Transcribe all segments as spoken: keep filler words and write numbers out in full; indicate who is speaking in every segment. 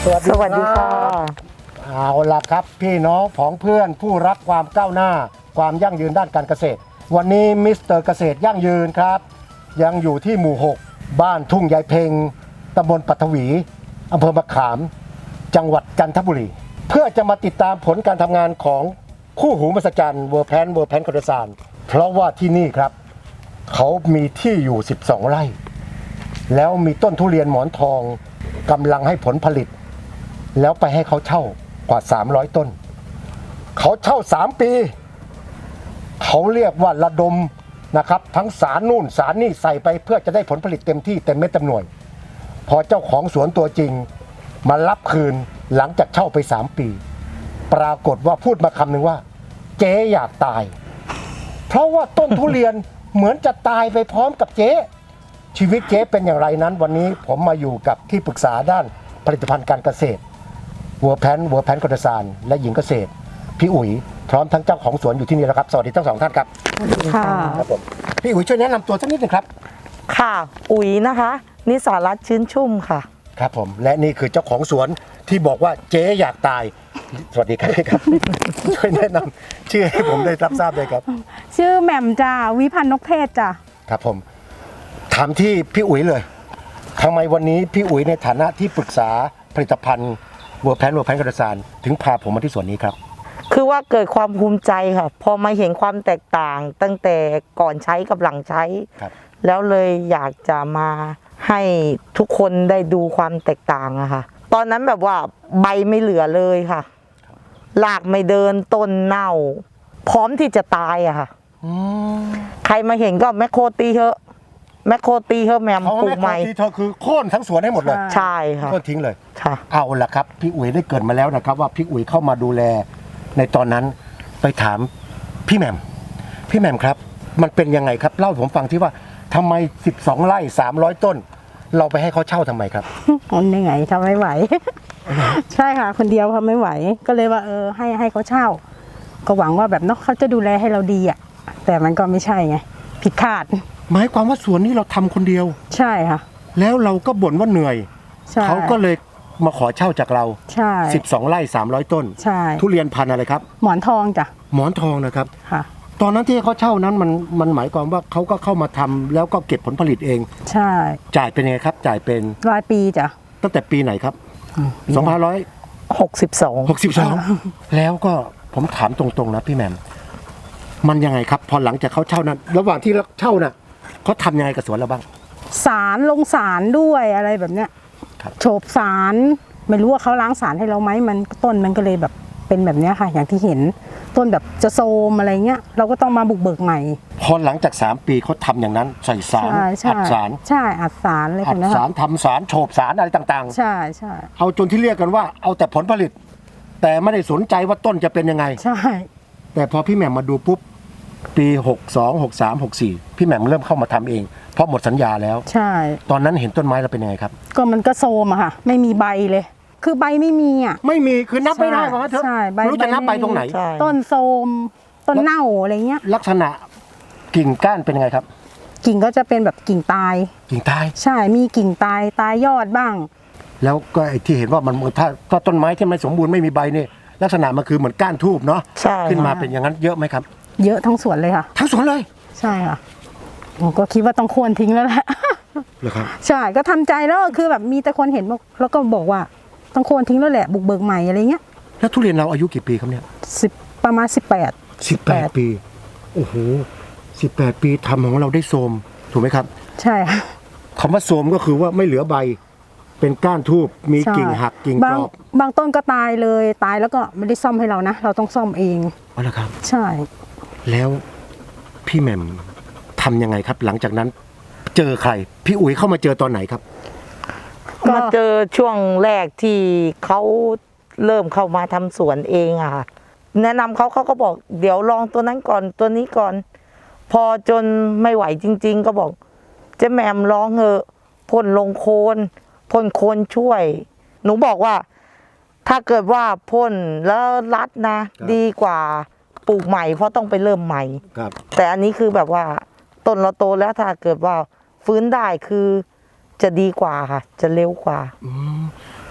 Speaker 1: สวัสดีค่ะ
Speaker 2: เอาล่ะครับพี่น้องผองเพื่อนผู้รักความก้าวหน้าความยั่งยืนด้านการเกษตรวันนี้มิสเตอร์เกษตรยั่งยืนครับยังอยู่ที่หมู่หกบ้านทุ่งยายเพ็งตำบลปัทวีอำเภอมะขามจังหวัดจันทบุรีเพื่อจะมาติดตามผลการทำงานของคู่หูมหัศจรรย์เวอร์แพนเวอร์แพนคอนเดซานเพราะว่าที่นี่ครับเขามีที่อยู่สิบสองไร่แล้วมีต้นทุเรียนหมอนทองกำลังให้ผลผลิตแล้วไปให้เขาเช่ากว่าสามร้อยต้นเขาเช่าสามปีเขาเรียกว่าระดมนะครับทั้งสารนู่นสารนี่ใส่ไปเพื่อจะได้ผลผลิตเต็มที่เต็มเม็ดเต็มหน่วยพอเจ้าของสวนตัวจริงมารับคืนหลังจากเช่าไปสามปีปรากฏว่าพูดมาคำหนึ่งว่าเจ๊อยากตายเพราะว่าต้นทุเรียนเหมือนจะตายไปพร้อมกับเจ๊ชีวิตเจ๊เป็นอย่างไรนั้นวันนี้ผมมาอยู่กับที่ปรึกษาด้านผลิตภัณฑ์การเกษตรวัวแพนวัวแพนคอนเดซานและหญิงเกษตรพี่อุ๋ยพร้อมทั้งเจ้าของสวนอยู่ที่นี่แล้วครับสวัสดีทั้งสองท่านครับ
Speaker 1: ค่ะ
Speaker 2: ครับผมพี่อุ๋ยช่วยแนะนำตัวสักนิดหนึ่งครับ
Speaker 1: ค่ะอุ๋ยนะคะนิสารัตน์ชื้นชุ่มค่ะ
Speaker 2: ครับผมและนี่คือเจ้าของสวนที่บอกว่าเจ๊อยากตายสวัสดีครับครับ ช่วยแนะนำชื่อให้ผมได้รับทราบเลยครับ
Speaker 3: ชื่อแหม่มจ้าวิพันธ์นกเทศจ้า
Speaker 2: ครับผมถามที่พี่อุ๋ยเลยทำไมวันนี้พี่อุ๋ยในฐานะที่ปรึกษาผลิตภัณฑ์วัวแพนวัวแพนคอนเดซานถึงพาผมมาที่สวนนี้ครับ
Speaker 1: คือว่าเกิดความภูมิใจค่ะพอมาเห็นความแตกต่างตั้งแต่ก่อนใช้กับหลังใช้แล้วเลยอยากจะมาให้ทุกคนได้ดูความแตกต่างอะค่ะตอนนั้นแบบว่าใบไม่เหลือเลยค่ะหลากไม่เดินต้นเน่าพร้อมที่จะตายอะค่ะใครมาเห็นก็แมคโครตีเถอะแมคโครตีเถอะแมมปลูกใหม่
Speaker 2: ที่เธอคือโค่นทั้งสวนให้หมดเลย
Speaker 1: ใช่ค่ะ
Speaker 2: โค่นทิ้งเลย
Speaker 1: ค่ะ
Speaker 2: เอาล่ะครับพี่อุ๋ยได้เกิดมาแล้วนะครับว่าพี่อุ๋ยเข้ามาดูแลในตอนนั้นไปถามพี่แหม่มพี่แหม่มครับมันเป็นยังไงครับเล่าให้ผมฟังที่ว่าทำไมสิบสองไร่สามร้อยต้นเราไปให้เขาเช่าทำไมครับ
Speaker 3: มันยังไงทำไม่ไหว ใช่ค่ะคนเดียวทำไม่ไหวก็เลยว่าเออให้ให้เขาเช่าก็หวังว่าแบบเนาะเขาจะดูแลให้เราดีอ่ะแต่มันก็ไม่ใช่ไงผิดคาด
Speaker 2: หมายความว่าสวนนี้เราทำคนเดียว
Speaker 3: ใช่ค่ะ
Speaker 2: แล้วเราก็บ่นว่าเหนื่อยเขาก็เลยมาขอเช่าจากเรา
Speaker 3: ใช่
Speaker 2: สิบสองไร่สามร้อยต้น
Speaker 3: ใช่
Speaker 2: ทุเรียนพันธุ์อะไรครับ
Speaker 3: หมอนทองจ้ะ
Speaker 2: หมอนทองนะครับ
Speaker 3: ค่ะ
Speaker 2: ตอนนั้นที่เขาเช่านั้นมันมันหมายความว่าเขาก็เข้ามาทำแล้วก็เก็บผลผลิตเอง
Speaker 3: ใช่
Speaker 2: จ่ายเป็นไงครับจ่ายเป็น
Speaker 3: รายปีจ้ะ
Speaker 2: ตั้งแต่ปีไหนครับสองพันร้อย
Speaker 1: หกสิบสอง
Speaker 2: หกสิบสองแล้วก็ผมถามตรงๆนะพี่แหม่มมันยังไงครับพอหลังจากเขาเช่านั้นระหว่างที่เช่าน่ะเขาทำยังไงกับสวนเราบ้าง
Speaker 3: สารลงสารด้วยอะไรแบบเนี้ยโฉบสารไม่รู้ว่าเขาล้างสารให้เราไหมมันต้นมันก็เลยแบบเป็นแบบนี้ค่ะอย่างที่เห็นต้นแบบจะโซมอะไรเงี้ยเราก็ต้องมาบุกเบิกใหม่
Speaker 2: พอหลังจากสามปีเขาทำอย่างนั้นใส่สารอัดสาร
Speaker 3: ใช่อัดสารอะไรแบบนี้
Speaker 2: อัดสารทำสารโฉบสารอะไรต่าง
Speaker 3: ๆใช่ใช่
Speaker 2: เอาจนที่เรียกกันว่าเอาแต่ผลผลิตแต่ไม่ได้สนใจว่าต้นจะเป็นยังไง
Speaker 3: ใช่
Speaker 2: แต่พอพี่แหม่มมาดูปุ๊บปีหกสอง หกสาม หกสี่พี่แหม่มเริ่มเข้ามาทำเองเพราะหมดสัญญาแล้ว
Speaker 3: ใช่
Speaker 2: ตอนนั้นเห็นต้นไม้เราเป็นยังไงครับ
Speaker 3: ก็มันก็โซมอะค่ะไม่มีใบเลยคือใบไม่มีอ่ะ
Speaker 2: ไม่มีคือนับไม่ได้เพราะว่าเธอรู้จะนับใบตรงไหน
Speaker 3: ต้นโซมต้นเน่าอะไรเงี้ย
Speaker 2: ลักษณะกิ่งก้านเป็นยังไงครับ
Speaker 3: กิ่งก็จะเป็นแบบกิ่งตาย
Speaker 2: กิ่งตาย
Speaker 3: ใช่มีกิ่งตายตายยอดบ้าง
Speaker 2: แล้วก็ไอ้ที่เห็นว่ามันถ้าถ้าต้นไม้ที่ไม่สมบูรณ์ไม่มีใบนี่ลักษณะมันคือเหมือนก้านทูบเนาะขึ้นมาเป็นอย่างนั้นเยอะไหมครับ
Speaker 3: เยอะทั้งสวนเลยค่ะ
Speaker 2: ทั้งสวนเลย
Speaker 3: ใช่ค่ะผมก็คิดว่าต้องควรทิ้งแล้วแหละ
Speaker 2: เหรอครับ
Speaker 3: ใช่ก็ทำใจแล้วคือแบบมีแต่คนเห็นแล้วก็บอกว่าต้องควรทิ้งแล้วแหละบุกเบิกใหม่อะไรเงี้ย
Speaker 2: แล้วทุเรียนเราอายุกี่ปีครับเนี่ย
Speaker 3: สิบประมาณสิบแปด
Speaker 2: สิบแปดปีโอ้โหสิบแปดปีทำของเราได้โทรมถูกไหมครับ
Speaker 3: ใช่
Speaker 2: คำว่าโทรมก็คือว่าไม่เหลือใบเป็นก้านทูบมีกิ่งหักกิ่งกรอ
Speaker 3: บบางต้นก็ตายเลยตายแล้วก็ไม่ได้ซ่อมให้เรานะเราต้องซ่อมเอง
Speaker 2: อ๋อเหรอครับ
Speaker 3: ใช่
Speaker 2: แล้วพี่แหม่มทำยังไงครับหลังจากนั้นเจอใครพี่อุ๋ยเข้ามาเจอตอนไหนครับ
Speaker 1: มาเจอช่วงแรกที่เขาเริ่มเข้ามาทำสวนเองอะค่ะแนะนำเขาเขาก็บอกเดี๋ยวลองตัวนั้นก่อนตัวนี้ก่อนพอจนไม่ไหวจริงๆก็บอกเจ๊แหม่มลองเถอะพ่นลงโคนพ่นโคนช่วยหนูบอกว่าถ้าเกิดว่าพ่นแล้วรัดนะดีกว่าปลูกใหม่เพราะต้องไปเริ่มใหม่แต่อันนี้คือแบบว่าต้นเราโตแล้วถ้าเกิดว่าฟื้นได้คือจะดีกว่าค่ะจะเร็วกว่า
Speaker 2: พ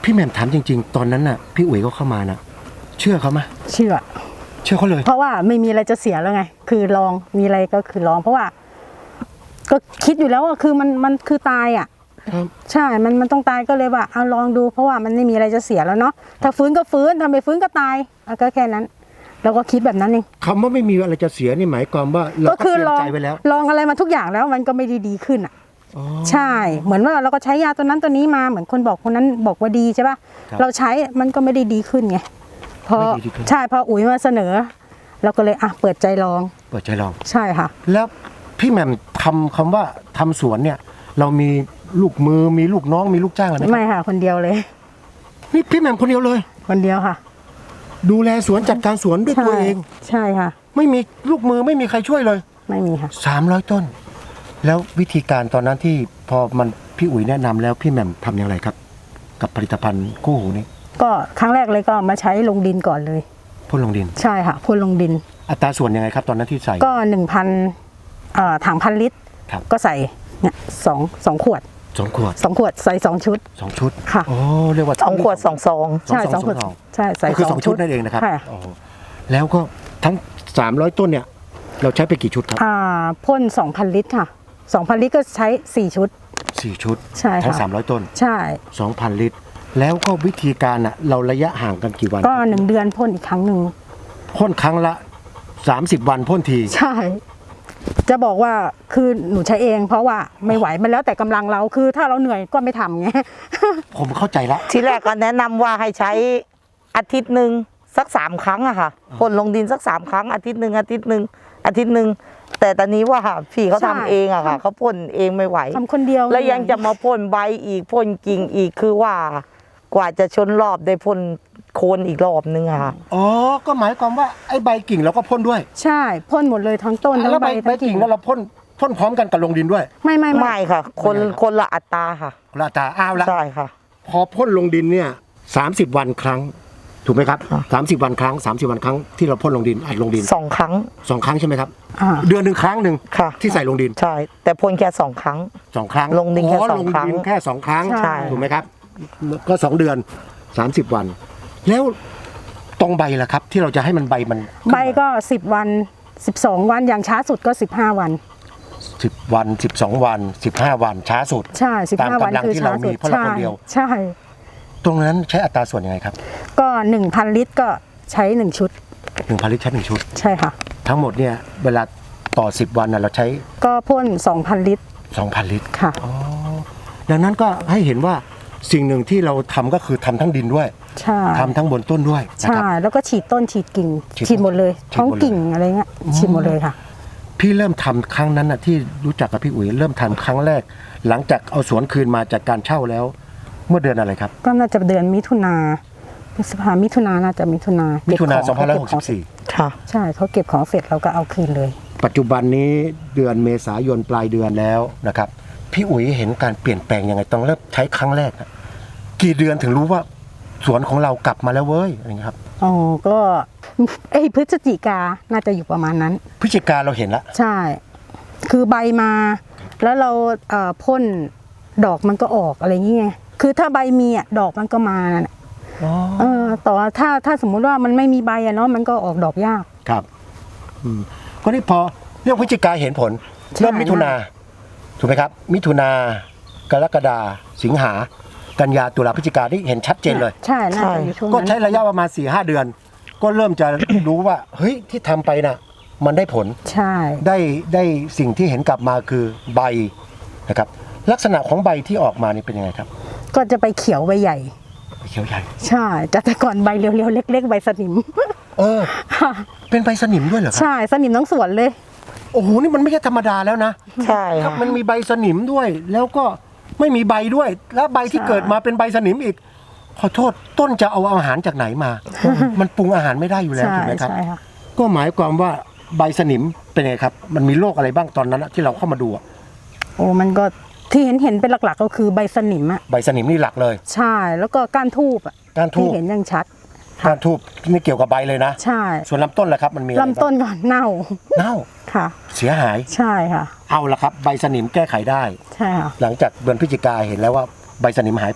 Speaker 2: พี่แหม่มถามจริง ๆ ตอนนั้นน่ะพี่อุ๋ยก็เข้ามานะเชื่อเขาไหม
Speaker 3: เชื่อ
Speaker 2: เชื่อเขาเลย
Speaker 3: เพราะว่าไม่มีอะไรจะเสียแล้วไง คือลองมีอะไรก็คือลอง เพราะว่า ก็คิดอยู่แล้วว่าคือมันมันคือตายอ่ะ
Speaker 2: ครับ
Speaker 3: ใช่ มันมันต้องตายก็เลยว่าเอาลองดู เพราะว่ามันไม่มีอะไรจะเสียแล้วเนาะถ้าฟื้นก็ฟื้นทำไม่ฟื้นก็ตายอ่ะก็แค่นั้นเราก็คิดแบบนั้นเอง
Speaker 2: คำว่าไม่มีอะไรจะเสียนี่หมายความว่าเรา
Speaker 3: ก็
Speaker 2: ก็
Speaker 3: คื
Speaker 2: เตรีย
Speaker 3: ล
Speaker 2: ม
Speaker 3: อง
Speaker 2: ใจไว้แล้ว
Speaker 3: ลองอะไรมาทุกอย่างแล้วมันก็ไม่ได้ดีขึ้นอ่ะ
Speaker 2: อ๋อ
Speaker 3: ใช่ เหมือนว่าเราก็ใช้ยาตัวนั้นตัวนี้มาเหมือนคนบอกคนนั้นบอกว่าดีใช่ป่ะ
Speaker 2: ครับ
Speaker 3: เราใช้มันก็ไม่ได้ดีขึ้นไงพอ
Speaker 2: ไม่ดีขึ้น
Speaker 3: ใช่พออุ๋ยมาเสนอ เราก็เลยอ่ะเปิดใจลอง
Speaker 2: เปิดใจลอง
Speaker 3: ใช่ค่ะ
Speaker 2: แล้วพี่แหม่มทำคำว่าทำสวนเนี่ย เรามีลูกมือมีลูกน้องมีลูกจ้างอะไรไหม
Speaker 3: ไม่ค่ะ คนเดียวเลย
Speaker 2: นี่พี่แหม่มคนเดียวเลย
Speaker 3: คนเดียวค่ะ
Speaker 2: ดูแลสวนจัดการสวนด้วย
Speaker 3: ใช่
Speaker 2: ตัวเอง
Speaker 3: ใช่ค่ะ
Speaker 2: ไม่มีลูกมือไม่มีใครช่วยเลย
Speaker 3: ไม่มีค่ะ
Speaker 2: สามร้อยต้น แล้ววิธีการตอนนั้นที่พอมันพี่อุ๋ยแนะนำแล้วพี่แหม่มทำอย่างไรครับ กับผลิตภัณฑ์คู่หูนี้
Speaker 3: ก็ครั้งแรกเลยก็มาใช้ลงดินก่อนเลย
Speaker 2: พ่นลงดิน
Speaker 3: ใช่ค่ะพ่นลงดิน
Speaker 2: อัตราส่วนยังไงครับตอนนั้นที่ใส่
Speaker 3: ก็หนึ่งพันถังพันลิตร
Speaker 2: ครับ
Speaker 3: ก็ใส่เนี่ยสองสองขวด
Speaker 2: สองขวด
Speaker 3: สองขวดใส่สองชุด
Speaker 2: สองชุด
Speaker 3: ค่ะ
Speaker 2: โอ้เรียกว่า
Speaker 1: สองขวดสองซอง
Speaker 3: ใช่สองขวดใช่ใส่
Speaker 2: ก็คือสองชุดนั่นเองนะครับ
Speaker 3: ค่ะ
Speaker 2: โอ้แล้วก็ทั้งสามร้อยต้นเนี่ย เราใช้ไปกี่ชุดครับ
Speaker 3: อ่าพ่นสองพันลิตรค่ะสองพันลิตรก็ใช้สี่ชุด
Speaker 2: สี่ชุด
Speaker 3: ใช่ค่ะ
Speaker 2: ทั้งสามร้อยต้น
Speaker 3: ใช่
Speaker 2: สองพันลิตร แล้วก็วิธีการอ่ะเราระยะห่างกันกี่วัน
Speaker 3: ก็หนึ่งเดือนพ่นอีกครั้งหนึ่ง
Speaker 2: พ่นครั้งละสามสิบวันพ่นที
Speaker 3: ใช่ จะบอกว่าคือหนูใช้เอง เพราะว่าไม่ไหวมันแล้วแต่กำลังเราคือถ้าเราเหนื่อยก็ไม่ทำไง
Speaker 2: ผมเข้าใจละ
Speaker 1: ทีแรกก็แนะนำว่าให้ใช้อาทิตย์หนึ่งสักสามครั้งอะค่ะพ่นลงดินสักสามครั้งอาทิตย์หนึ่งอาทิตย์หนึ่งอาทิตย์หนึ่งแต่ตอนนี้ว่าพี่เขา
Speaker 3: ใช่
Speaker 1: ทำเองอะค่ะเขาพ่นเองไม่ไหว
Speaker 3: ทำคนเดียว
Speaker 1: แล้วยังจะมาพ่นใบอีกพ่นกิ่งอีกคือว่ากว่าจะชนรอบได้พ่นโคนอีกรอบนึงอะค่ะ
Speaker 2: อ๋อ ก็หมายความว่าไอ้ใบกิ่งเราก็พ่นด้วย
Speaker 3: ใช่พ่นหมดเลยทั้งต้นทั้ง
Speaker 2: แล้ว
Speaker 3: ใบ
Speaker 2: ใบใบ
Speaker 3: ทั้งกิ่
Speaker 2: กิ่
Speaker 3: ง
Speaker 2: งแล้วเราพ่นพ่นพร้อมกันกับลงดินด้วย
Speaker 3: ไม่ไม่
Speaker 1: ไม่ค่ะ คนคนละอัตราค่ะ
Speaker 2: ลาตาอ้าวละ
Speaker 1: ใช่ค่ะ
Speaker 2: พอพ่นลงดินเนี่ยสามสิบวันครั้ง ถูกไหมครับ
Speaker 1: ค่ะ
Speaker 2: สามสิบวันครั้งสามสิบวันครั้งที่เราพ่นลงดินอัดลงดิน
Speaker 1: สองครั้ง
Speaker 2: สองครั้งใช่ไหมครับ
Speaker 3: อ่า
Speaker 2: เดือนหนึ่งครั้งหนึ่ง
Speaker 1: ค่ะ
Speaker 2: ที่ใส่ลงดิน
Speaker 1: ใช่ แต่พ่นแค่สองครั้ง
Speaker 2: สองครั้ง
Speaker 1: ลงดินแค่
Speaker 2: อ๋อ
Speaker 1: สองครั้ง
Speaker 2: ลงดินแค่สองครั้ง
Speaker 3: ใช่
Speaker 2: ถูกไหมครับ ก็สองเดือนสามสิบวัน แล้วตรงใบล่ะครับ ที่เราจะให้มันใบมัน
Speaker 3: ใบก็สิบวันสิบสองวันอย่างช้าสุดก็สิบห้าวัน
Speaker 2: สิบวันสิบสองวันสิบห้าวันช้าสุด
Speaker 3: ใช่สิบ
Speaker 2: ตาม
Speaker 3: ห้าวัน
Speaker 2: กำลัง
Speaker 3: คือ
Speaker 2: ที่
Speaker 3: ช้า
Speaker 2: เรา
Speaker 3: สุ
Speaker 2: มี
Speaker 3: ด
Speaker 2: เพราะเรา
Speaker 3: ใช่
Speaker 2: คนเดียว
Speaker 3: ใช่
Speaker 2: ตรงนั้นใช้อัตราส่วนยังไงครับ
Speaker 3: ก็หนึ่งพันลิตรก็ใช้หนึ่งชุด
Speaker 2: หนึ่งพันลิตรใช้หนึ่งชุด
Speaker 3: ใช่ค่ะ
Speaker 2: ทั้งหมดเนี่ยเวลาต่อสิบวันน่ะเราใช้
Speaker 3: ก็พ่นสองพันลิตร
Speaker 2: สองพันลิตร
Speaker 3: ค่ะ
Speaker 2: ดังนั้นก็ให้เห็นว่าสิ่งหนึ่งที่เราทำก็คือทำทั้งดินด้วย
Speaker 3: ใช่
Speaker 2: ทำทั้งบนต้นด้วยนะ
Speaker 3: ใช่
Speaker 2: ครับ
Speaker 3: แล้วก็ฉีดต้นฉีดกิ่ง
Speaker 2: ฉีด
Speaker 3: ฉีดหมดเลย
Speaker 2: ฉีดหมดเลย
Speaker 3: ท้องกิ่งอะไรเงี้ยฉีดหมดเลยค่ะ
Speaker 2: พี่เริ่มทำครั้งนั้นน่ะที่รู้จักกับพี่อุ๋ยเริ่มทำครั้งแรก หลังจากเอาสวนคืนมาจากการเช่าแล้ว เมื่อเดือนอะไรครับ
Speaker 3: ก็น่าจะเดือนมิถุนาพฤษภามิถุนาน่าจะมิถุนา
Speaker 2: มิ
Speaker 3: มิ
Speaker 2: ถุนาสองพันห้าร้อยหกสิบสี่
Speaker 1: ค่ะ
Speaker 3: ใช่เขาเก็บของเสร็จเราก็เอาคืนเลย
Speaker 2: ปัจจุบันนี้เดือนเมษายนปลายเดือนแล้วนะครับ พี่อุ๋ยเห็นการเปลี่ยนแปลงยังไงต้องเริ่มใช้ครั้งแรกอะกี่เดือนถึงรู้ว่าสวนของเรากลับมาแล้วเว้ยอะไรเงี้ยครับ
Speaker 3: อ๋อ ก็ไอ้ยพฤศจิกา น่าจะอยู่ประมาณนั้น
Speaker 2: พฤศจิกาเราเห็นละ
Speaker 3: ใช่ คือใบมา แล้วเราเอ่อพ่นดอกมันก็ออกอะไรอย่างเงี้ย คือถ้าใบมีอ่ะดอกมันก็มาน่ะเออต่อถ้าถ้าสมมุติว่ามันไม่มีใบอะเนาะมันก็ออกดอกยาก
Speaker 2: ครับอืมก็นี่พอเรื่องพฤศจิกาเห็นผล
Speaker 3: ใช่
Speaker 2: เริ่มมิถุนาถูกไหมครับ มิถุนากรกฎาสิงหากันยาตุลาพฤศจิกาที่เห็นชัดเจนเลย
Speaker 3: ใช่ น่าจะอยู่ช่วง
Speaker 2: ก็
Speaker 3: นั้น
Speaker 2: ใช้ระยะประมาณสี่ห้าเดือน ก็เริ่มจะ รู้ว่าเฮ้ยที่ทำไปน่ะ มันได้ผล
Speaker 3: ใช่
Speaker 2: ได้ได้สิ่งที่เห็นกลับมาคือใบนะครับ ลักษณะของใบที่ออกมานี่เป็นยังไงครับ
Speaker 3: ก็จะไปเขียวใบใหญ่
Speaker 2: เขียวใหญ่
Speaker 3: ใช่แต่แต่ก่อนใบเรียวๆเล็ก ๆ ใบสนิม
Speaker 2: เออ เป็นใบสนิมด้วยเหรอครับ
Speaker 3: ใช่สนิมทั้งสวนเลย
Speaker 2: โอ้โหนี่มันไม่ใช่ธรรมดาแล้วนะ
Speaker 1: ใช่
Speaker 2: ครับ
Speaker 1: ค่ะ
Speaker 2: มันมีใบสนิมด้วย แล้วก็ไม่มีใบด้วย แล้วใบที่
Speaker 3: ใช่
Speaker 2: เกิดมาเป็นใบสนิมอีก ขอโทษต้นจะเอาอาหารจากไหนมา มันปรุงอาหารไม่ได้อยู่แล้ว
Speaker 3: ใช่
Speaker 2: ถูกไหมครับ
Speaker 3: ใช่ค่ะ
Speaker 2: ก็หมายความว่าใบสนิมเป็นไงครับ มันมีโรคอะไรบ้างตอนนั้นอะที่เราเข้ามาดูอะ
Speaker 3: โอ้มันก็ที่เห็นเห็นเป็นหลักๆก็คือใบสนิมอะ
Speaker 2: ใบสนิมนี่หลักเลย
Speaker 3: ใช่แล้วก็ก้านทูบอะ
Speaker 2: ก้านทู
Speaker 3: ที่
Speaker 2: บ
Speaker 3: เห็นยังชัด
Speaker 2: ก้านทูบนี่เกี่ยวกับใบเลยนะ
Speaker 3: ใช่
Speaker 2: ส่วนลำต้นล่ะครับมันมีอะไรบ้าง
Speaker 3: ลำต้นก่อนเน่า
Speaker 2: เน่า
Speaker 3: ค่ะ
Speaker 2: เสียหาย
Speaker 3: ใช่ค่ะ
Speaker 2: เอาละครับ ใบสนิมแก้ไขได้
Speaker 3: ใช่ค่ะ
Speaker 2: หลังจากเดือนพฤศจิกาเห็นแล้วว่าใบสนิมหายไป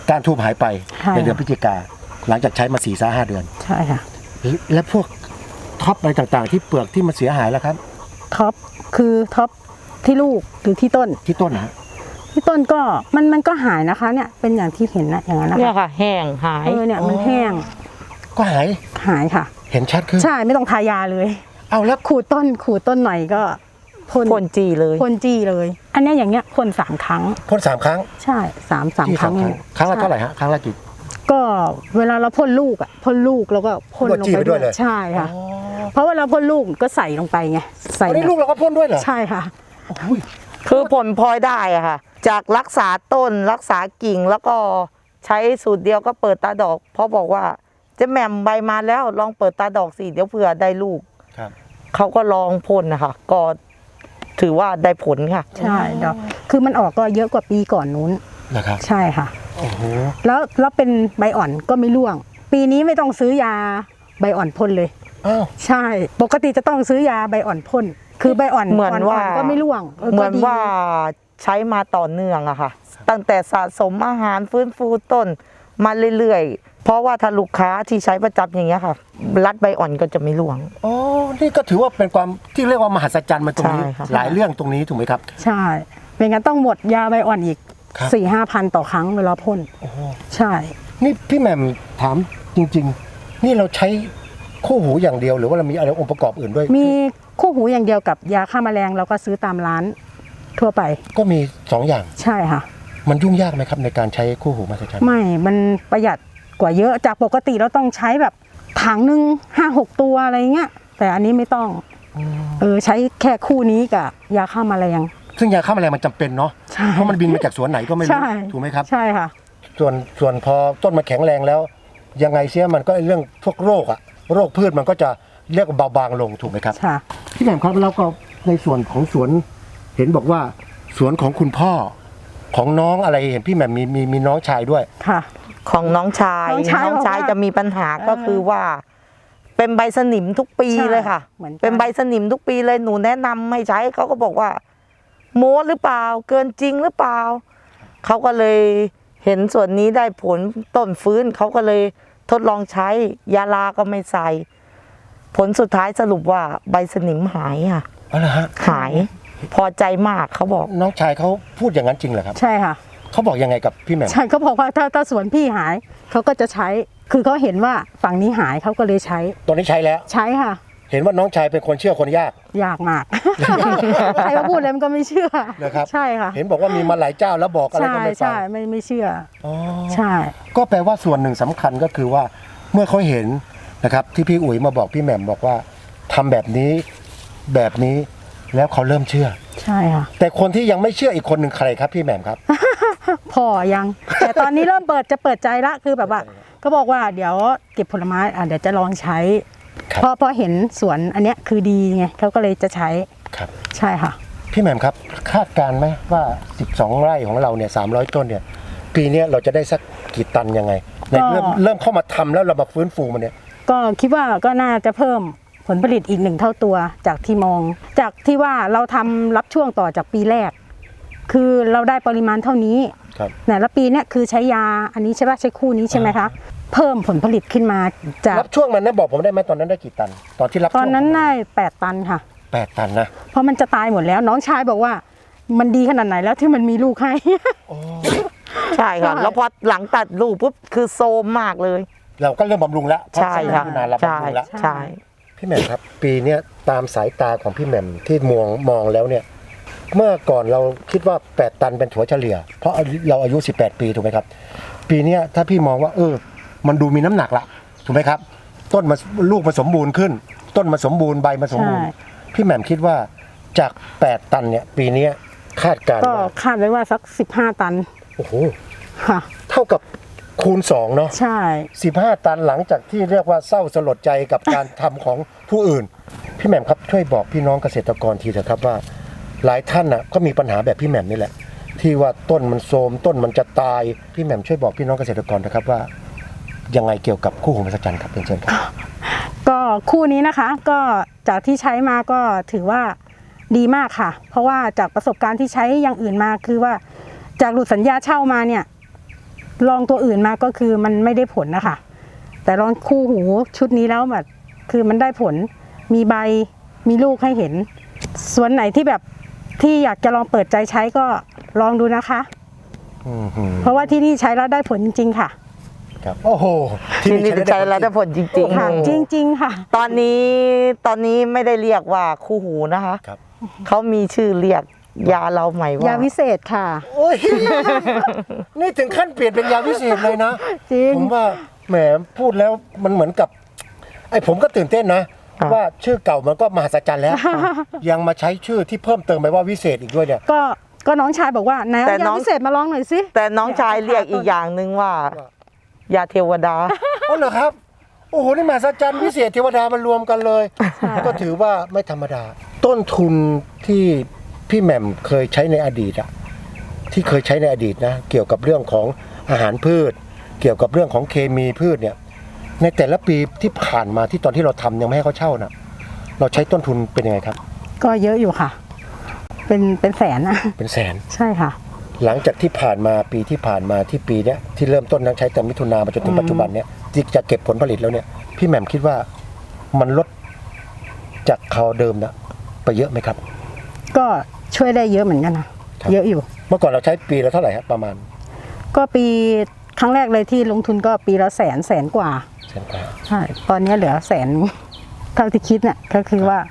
Speaker 2: การทูบหายไป
Speaker 3: ใช่
Speaker 2: ในเดือนพฤศจิกาหลังจากใช้มาสี่สาห้าเดือน
Speaker 3: ใช่ค่ะ
Speaker 2: และพวกท็อปอะไรต่างๆ ที่เปลือกที่มันเสียหายแล้วครับ
Speaker 3: ท็อปคือท็อปที่ลูกหรือที่ต้น
Speaker 2: ที่ต้นนะฮะ
Speaker 3: ที่ต้นก็มันมันก็หายนะคะ เนี่ยเป็นอย่างที่เห็นนะอย่างนั้นนะ
Speaker 1: เนี่ย
Speaker 3: คะ
Speaker 1: ค่ะ แห้งหาย
Speaker 3: เออเนี่ยมันแห้ง
Speaker 2: ก็หาย
Speaker 3: หายค่ะ
Speaker 2: เห็นชัดขึ้น
Speaker 3: ใช่ไม่ต้องทายาเลย
Speaker 2: เอาแล้ว
Speaker 3: ขูดต้นขูดต้นหน่อยก็พ่น
Speaker 1: พ่นจีเลย
Speaker 3: พ่นจี้เลย อันเนี้ยอย่างเงี้ยพ่นสามครั้ง
Speaker 2: พ่นสามครั้ง
Speaker 3: ใช่สามสาม
Speaker 2: ที่
Speaker 3: ครั้ง
Speaker 2: สามครั้งครั้งละเท่าไหร่ฮะครั้งละกี่
Speaker 3: ก็เวลาเราพ่นลูกอ่ะพ่นลูกแล้วก็พ่นลง
Speaker 2: จี้
Speaker 3: ไป
Speaker 2: ไปด้วยเลย
Speaker 3: ใช่ค่ะ เพราะเวลาพ่นลูกก็ใส่ลงไปไงใส่
Speaker 2: อันนี้ลูกเราก็พ่นด้วยเหรอ
Speaker 3: ใช่ค่ะ
Speaker 2: อุ้ย
Speaker 1: คือผลพลอยได้อะค่ะ จากรักษาต้นรักษากิ่งแล้วก็ใช้สูตรเดียวก็เปิดตาดอก เพราะบอกว่าเจะแหม่มใบมาแล้วลองเปิดตาดอกสิเดี๋ยวเผื่อได้ลูก
Speaker 2: ครับ
Speaker 1: เขาก็ลองพ่นนะคะก็ถือว่าได้ผลค่ะ
Speaker 3: ใช่ดอกคือมันออกก็เยอะกว่าปีก่อนนู้น
Speaker 2: นะครับ
Speaker 3: ใช่ค่ะ
Speaker 2: โอ้โห
Speaker 3: แล้วแล้วเป็นใบอ่อนก็ไม่ร่วง ปีนี้ไม่ต้องซื้อยาใบอ่อนพ่นเลย
Speaker 2: อ้าว
Speaker 3: ใช่ ปกติจะต้องซื้อยาใบอ่อนพ่นคือใบอ่อน
Speaker 1: เหมือนว่า
Speaker 3: ๆก็ไม่ร่วง
Speaker 1: เหมือน
Speaker 3: ก็ดี
Speaker 1: ว่าใช้มาต่อเนื่องอะค่ะ ตั้งแต่สะสมอาหารฟื้นฟูต้นมาเรื่อยๆ เพราะว่าถ้าลูกค้าที่ใช้ประจำอย่างเงี้ยค่ะ รัดใบอ่อนก็จะไม่ร่วง
Speaker 2: อ๋อนี่ก็ถือว่าเป็นความที่เรียกว่ามหัศจรรย์มาตรงนี้
Speaker 1: ใช่ครับ
Speaker 2: หลายเรื่องตรงนี้ถูกไหมครับ
Speaker 3: ใช่ไม่งั้นต้องหมดยาใบอ่อนอีก
Speaker 2: ครับ
Speaker 3: สี่ห้าพันต่อครั้งเวลาพ่น
Speaker 2: โอ้โห
Speaker 3: ใช่
Speaker 2: นี่พี่แหม่มถามจริง ๆ นี่เราใช้คู่หูอย่างเดียวหรือว่าเรามีอะไรองค์ประกอบอื่นด้วย
Speaker 3: มีคู่หูอย่างเดียวกับยาฆ่าแมลงเราก็ซื้อตามร้านทั่วไป
Speaker 2: ก็มีสองอย่าง
Speaker 3: ใช่ค่ะ
Speaker 2: มันยุ่งยากไหมครับในการใช้คู่หูมหัศจรรย์
Speaker 3: ไม่ มันประหยัดกว่าเยอะจากปกติเราต้องใช้แบบถังหนึ่งห้าหกตัวอะไรเงี้ยแต่อันนี้ไม่ต้องเออใช้แค่คู่นี้กับยาฆ่าแมลง
Speaker 2: ซึ่งยาฆ่าแมลงมันจำเป็นเนาะ
Speaker 3: ใช่
Speaker 2: เพราะมันบินมาจากสวนไหนก็ไม่รู้
Speaker 3: ใช่
Speaker 2: ถูกไหมครับ
Speaker 3: ใช่ค่ะ
Speaker 2: ส่วนส่วนพอต้นมันแข็งแรงแล้ว ยังไงเสียมันก็เรื่องพวกโรคอะโรคพืชมันก็จะเรียกว่าเบาบางลงถูกไหมครับ
Speaker 3: ค่ะ
Speaker 2: พี่แหม่มครับแล้วก็ในส่วนของสวนเห็นบอกว่าสวนของคุณพ่อของน้องอะไรเห็นพี่แหม่มมีมีมีน้องชายด้วย
Speaker 3: ค่ะ
Speaker 1: ของน้องชาย
Speaker 3: น้องชายบอกว่า
Speaker 1: จะมีปัญหาก็
Speaker 3: เออ
Speaker 1: คือว่า เป็นใบสนิมทุกปี
Speaker 3: ใช่
Speaker 1: เลยค่ะ
Speaker 3: เหมือนกัน
Speaker 1: เป็นใบสนิมทุกปีเลยหนูแนะนำให้ใช้เขาก็บอกว่า โม้หรือเปล่า เกินจริงหรือเปล่าเขาก็เลยเห็นส่วนนี้ได้ผลต้นฟื้นเขาก็เลยทดลองใช้ยาลาก็ไม่ใส่ ผลสุดท้ายสรุปว่าใบสนิมหายค่ะ
Speaker 2: อ๋อเหรอฮะ
Speaker 1: หาย พอใจมากเขาบอก
Speaker 2: น้องชายเขาพูดอย่างนั้นจริงเหรอครับ
Speaker 3: ใช่ค่ะ
Speaker 2: เขาบอกยังไงกับพี่แหม่ม
Speaker 3: ใช่เขาบอกว่าถ้าถ้าสวนพี่หายเขาก็จะใช้ คือเขาเห็นว่าฝั่งนี้หายเขาก็เลยใช้
Speaker 2: ตอนนี้ใช้แล้ว
Speaker 3: ใช้ค่ะ
Speaker 2: เห็นว่าน้องชายเป็นคนเชื่อคนยาก
Speaker 3: ยากมาก ใครมาพูดอะไรมันก็ไม่เชื่อ
Speaker 2: นะครับ
Speaker 3: ใช่ค่ะ
Speaker 2: เห็นบอกว่ามีมาหลายเจ้าแล้วบอกอะไร
Speaker 3: ใช่
Speaker 2: ก็ไม่ฟัง
Speaker 3: ใช่ไม่ไม่เชื่อ
Speaker 2: อ๋อ
Speaker 3: ใช่
Speaker 2: ก็แปลว่าส่วนหนึ่งสำคัญก็คือว่าเมื่อเขาเห็นนะครับที่พี่อุ๋ยมาบอกพี่แหม่มบอกว่าทำแบบนี้แบบนี้แล้วเขาเริ่มเชื่อ
Speaker 3: ใช่ค่ะ
Speaker 2: แต่คนที่ยังไม่เชื่ออีกคนหนึ่งใครครับพี่แหม่มครับ
Speaker 3: พ่อยัง แต่ตอนนี้เริ่มเปิดจะเปิดใจละคือแบบว่าก็บอกว่าเดี๋ยวเก็บผลไม้อ่ะเดี๋ยวจะลองใช้
Speaker 2: ครับ
Speaker 3: เพราะเพราะเห็นสวนอันเนี้ยคือดีไงเขาก็เลยจะใช้
Speaker 2: ครับ
Speaker 3: ใช่ค่ะ
Speaker 2: พี่แหม่มครับคาดการณ์ไหมว่าสิบสองไร่ของเราเนี่ยสามร้อยต้นเนี่ยปีเนี้ยเราจะได้สักกี่ตันยังไงใน
Speaker 3: ก็
Speaker 2: เริ่มเริ่มเข้ามาทำแล้วเรามาฟื้นฟูมันเนี่ย
Speaker 3: ก็คิดว่าก็น่าจะเพิ่มผลผลิตอีกหนึ่งเท่าตัวจากที่มอง จากที่ว่าเราทำรับช่วงต่อจากปีแรก คือเราได้ปริมาณเท่านี้
Speaker 2: ครับ
Speaker 3: แต่ละปีเนี่ยคือใช้ยาอันนี้ใช่ป่ะใช้คู่นี้ใช่ไหมคะเพิ่มผลผลิตขึ้นมาจาก
Speaker 2: รับช่วงมันนะบอกผมได้ไหมตอนนั้นได้กี่ตัน ตอนที่รับ
Speaker 3: ต
Speaker 2: ช่
Speaker 3: อ
Speaker 2: วน ง
Speaker 3: นั้นได้แปดตันค่ะ
Speaker 2: แปดตันนะ
Speaker 3: เพราะมันจะตายหมดแล้วน้องชายบอกว่า มันดีขนาดไหนแล้วที่มันมีลูกให้
Speaker 1: ใช่ค่ะ
Speaker 3: ใช่
Speaker 1: แล้วพอหลังตัดลูกปุ๊บคือโซมมากเลย
Speaker 2: เราก็เริ่มบำรุงแล้วเพราะ
Speaker 1: ใช่ค่ะ
Speaker 2: นานเรา
Speaker 1: ใช่
Speaker 2: บำรุงแล้ว
Speaker 1: ใช่
Speaker 2: พี่แหม่มครับ ปีเนี้ยตามสายตาของพี่แหม่มที่มองมองแล้วเนี่ย เมื่อก่อนเราคิดว่าแปดตันเป็นถัวเฉลี่ย เพราะเราอายุสิบแปดปีถูกไหมครับ ปีเนี้ยถ้าพี่มองว่า เออ มันดูมีน้ำหนักละถูกไหมครับ ต้นมาลูกมาสมบูรณ์ขึ้น ต้นมาสมบูรณ์ใบมาสมบูรณ์
Speaker 3: ใช่
Speaker 2: พี่แหม่มคิดว่าจากแปดตันเนี่ย ปีเนี้ยคาดการณ์
Speaker 3: ก็
Speaker 2: ว่า
Speaker 3: คาดไว้ว่าสักสิบห้าตัน
Speaker 2: โอ้โห
Speaker 3: ค่ะ
Speaker 2: เท่ากับคูณสองเนาะ
Speaker 3: ใช่
Speaker 2: สิบห้าตันหลังจากที่เรียกว่าเศร้าสลดใจกับการทำของผู้อื่น พี่แหม่มครับช่วยบอกพี่น้องเกษตรกรทีเถอะครับว่า หลายท่านน่ะก็มีปัญหาแบบพี่แหม่มนี่แหละ ที่ว่าต้นมันโทรมต้นมันจะตายพี่แหม่มช่วยบอกพี่น้องเกษตรกรนะครับว่า ยังไงเกี่ยวกับคู่หูมหัศจรรย์ครับเป็นเชิญครับ
Speaker 3: ก็คู่นี้นะคะ ก็จากที่ใช้มาก็ถือว่าดีมากค่ะ เพราะว่าจากประสบการณ์ที่ใช้อย่างอื่นมาคือว่าจากหลุดสัญญาเช่ามาเนี่ยลองตัวอื่นมาก็คือมันไม่ได้ผลนะคะแต่ลองคู่หูชุดนี้แล้วแบบคือมันได้ผลมีใบมีลูกให้เห็นส่วนไหนที่แบบที่อยากจะลองเปิดใจใช้ก็ลองดูนะคะ
Speaker 2: อืมหืม
Speaker 3: เพราะว่าที่นี่ใช้แล้วได้ผลจริงๆค่ะ
Speaker 2: ครับโอ้โห
Speaker 1: ที่นี่ใช้แล้วได้ผลจริง
Speaker 3: ค่ะ
Speaker 1: ๆ
Speaker 3: จริงๆค่ะ
Speaker 1: ตอนนี้ตอนนี้ไม่ได้เรียกว่าคู่หูนะคะ
Speaker 2: ครับ
Speaker 1: เขามีชื่อเรียกยาเราใหม่ว่าย
Speaker 3: าวิเศษค่ะ
Speaker 2: โอ้ย นี่ถึงขั้นเปลี่ยนเป็นยาวิเศษเลยนะ
Speaker 3: จริง
Speaker 2: ผมว่าแหมพูดแล้วมันเหมือนกับ ไอ้ผมก็ตื่นเต้นนะ ว่าชื่อเก่ามันก็มหัศจรรย์แล้ว ยังมาใช้ชื่อที่เพิ่มเติมไปว่าวิเศษอีกด้วยเนี่ย
Speaker 3: ก็ก็น้องชายบอกว่าไหนเอา
Speaker 1: แต่น้
Speaker 3: ยา
Speaker 1: อง
Speaker 3: วิเศษมาลองหน่อยสิ
Speaker 1: แต่น้องชายเรียกอีกอย่างหนึ่งว่า
Speaker 2: ว่า
Speaker 1: ยาเทวดา
Speaker 2: อ๋อเหรอครับ โอ้โห นี่มหัศจรรย์วิเศษเทวดามารวมกันเลย ก็ถือว่าไม่ธรรมดา ต้นทุนที่พี่แหม่มเคยใช้ในอดีตอะที่เคยใช้ในอดีตนะเกี่ยวกับเรื่องของอาหารพืช เกี่ยวกับเรื่องของเคมีพืชเนี่ย ในแต่ละปีที่ผ่านมาที่ตอนที่เราทำยังไม่ให้เขาเช่านะเราใช้ต้นทุนเป็นยังไงครับ
Speaker 3: ก็เยอะอยู่ค่ะ เป็นเป็นแสนนะ
Speaker 2: เป็นแสน
Speaker 3: ใช่ค่ะ
Speaker 2: หลังจากที่ผ่านมาปีที่ผ่านมาที่ปีเนี้ยที่เริ่มต้นนั้นใช้แต่มิถุนามาจนถึงปัจจุบันเนี้ยที่จะเก็บผลผลิตแล้วเนี่ยพี่แหม่มคิดว่ามันลดจากคราวเดิมนะไปเยอะไหมครับ
Speaker 3: ก็ช่วยได้เยอะเหมือนกันนะครับ เยอะอยู่
Speaker 2: เมื่อก่อนเราใช้ปีละเท่าไหร่ครับประมาณ
Speaker 3: ก็ปีครั้งแรกเลยที่ลงทุนก็ปีละแสนแสนกว่า
Speaker 2: แสนกว่า
Speaker 3: ใช่ตอนนี้เหลือแสนเท่าที่คิดเนี่ยก็คือว่าร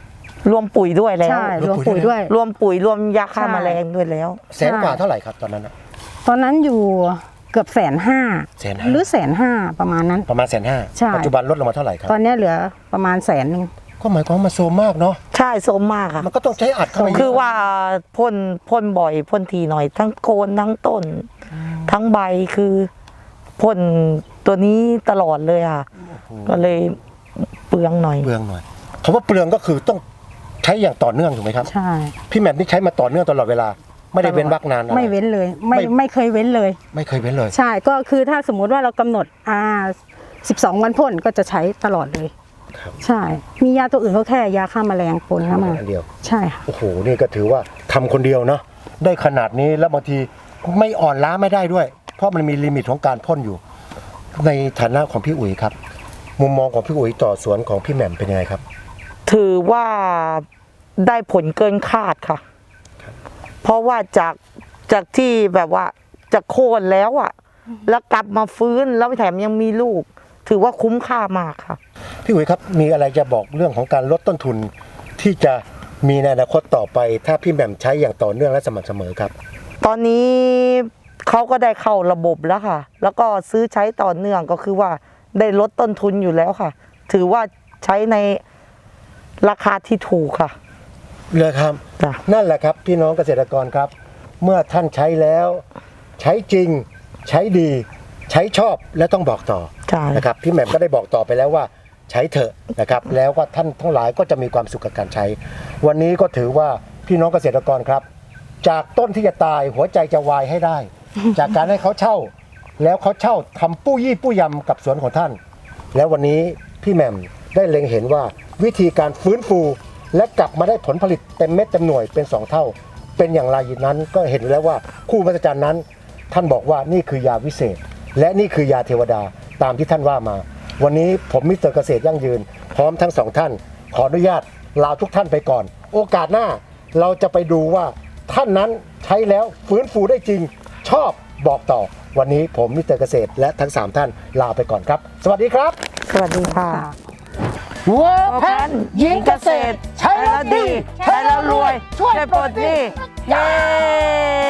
Speaker 1: วมปุ๋ยด้วยแล้ว
Speaker 3: ใช่รวมปุ๋ยด้วย
Speaker 1: รวมปุ๋ยรวมยาฆ่า
Speaker 3: ใช่
Speaker 1: แมลงด้วยแล้ว
Speaker 2: แสนกว่าเท่าไหร่ครับตอนนั้นอะ
Speaker 3: ตอนนั้นอยู่เกือบแสนห้า
Speaker 2: แสนห้า
Speaker 3: หรือแสนห้าประมาณนั้น
Speaker 2: ประมาณแสนห้า
Speaker 3: ใช่
Speaker 2: ปัจจุบันลดลงมาเท่าไหร่ครับ
Speaker 3: ตอนนี้เหลือประมาณแสนหนึ่ง
Speaker 2: ก็หมายความว่ามันโซมมากเนาะ
Speaker 1: ใช่โสมมากค่ะ
Speaker 2: มันก็ต้องใช้อัดเข้าไปเยะ
Speaker 1: คือว่าพ่นพ่นบ่อยพ่นทีหน่อย ทั้งโคนทั้งต้น ทั้งใบคือพ่นตัวนี้ตลอดเลยค่ะ ก็เลยเปลืองหน่อย
Speaker 2: เปลืองหน่อยคำว่าเปลืองก็คือต้องใช้อย่างต่อเนื่องถูกไหมครับ
Speaker 3: ใช่
Speaker 2: พี่แหม่มนี่ใช้มาต่อเนื่องตลอดเวลา ไม่ได้เว้นวรรคนานอะไร
Speaker 3: ไม่เว้นเลย ไม่
Speaker 2: ไม่
Speaker 3: ไม่เคยเว้นเลย
Speaker 2: ไม่เคยเว้นเลย
Speaker 3: ใช่ก็คือถ้าสมมุติว่าเรากำหนดอ่าสิบสองวันพ่นก็จะใช้ตลอดเลย
Speaker 2: ครับ
Speaker 3: ใช่ มียาตัวอื่นก็แค่ยาฆ่าแมลงปนเข้ามา
Speaker 2: อันเดียว
Speaker 3: ใช่ค่ะ
Speaker 2: โอ้โห นี่ก็ถือว่าทำคนเดียวเนาะ ได้ขนาดนี้แล้วบางทีไม่อ่อนล้าไม่ได้ด้วย เพราะมันมีลิมิตของการพ่นอยู่ ในฐานะของพี่อุ๋ยครับ มุมมองของพี่อุ๋ยต่อสวนของพี่แหม่มเป็นยังไงครับ
Speaker 1: ถือว่าได้ผลเกินคาดค่ะ เพราะว่าจากจากที่แบบว่าจะโค่นแล้วอะแล้วกลับมาฟื้นแล้วแถมยังมีลูก ถือว่าคุ้มค่ามากค่ะ
Speaker 2: พี่อุ๋ยครับ มีอะไรจะบอกเรื่องของการลดต้นทุน ที่จะมีในอนาคตต่อไป ถ้าพี่แหม่มใช้อย่างต่อเนื่องและสม่ำเสมอครับ
Speaker 1: ตอนนี้เขาก็ได้เข้าระบบแล้วค่ะ แล้วก็ซื้อใช้ต่อเนื่องก็คือว่าได้ลดต้นทุนอยู่แล้วค่ะ ถือว่าใช้ในราคาที่ถูกค่ะ
Speaker 2: เลยครับ
Speaker 1: จ้ะ
Speaker 2: นั่นแหละครับพี่น้องเกษตรกรครับ เมื่อท่านใช้แล้วใช้จริงใช้ดี ใช้ชอบและต้องบอกต่อ
Speaker 1: ใช่
Speaker 2: นะครับพี่แหม่มก็ได้บอกต่อไปแล้วว่าใช้เถอะนะครับแล้วก็ท่านทั้งหลายก็จะมีความสุขกับการใช้ วันนี้ก็ถือว่าพี่น้องเกษตรกรครับ จากต้นที่จะตายหัวใจจะวายให้ได้ จากการให้เขาเช่า แล้วเขาเช่าทำปู้ยี่ปู้ยำกับสวนของท่าน แล้ววันนี้พี่แหม่มได้เล็งเห็นว่าวิธีการฟื้นฟู และกลับมาได้ผลผลิตเต็มเม็ดเต็มหน่วยเป็นสองเท่า เป็นอย่างไรนั้นก็เห็นแล้วว่าคู่มหัศจรรย์นั้น ท่านบอกว่านี่คือยาวิเศษ และนี่คือยาเทวดาตามที่ท่านว่ามา วันนี้ผมมิสเตอร์เกษตรยั่งยืน พร้อมทั้งสองท่าน ขออนุญาตลาทุกท่านไปก่อน โอกาสหน้าเราจะไปดูว่าท่านนั้นใช้แล้วฟื้นฟูได้จริง ชอบบอกต่อ วันนี้ผมมิสเตอร์เกษตรและทั้งสามท่านลาไปก่อนครับ สวัสดีครับ
Speaker 1: สวัสดีค่ะ
Speaker 2: วัวแพนหญิงเกษตร ใช้แล้วดี
Speaker 1: ใช้แล้วรวย ช่วยปลดหนี้เย้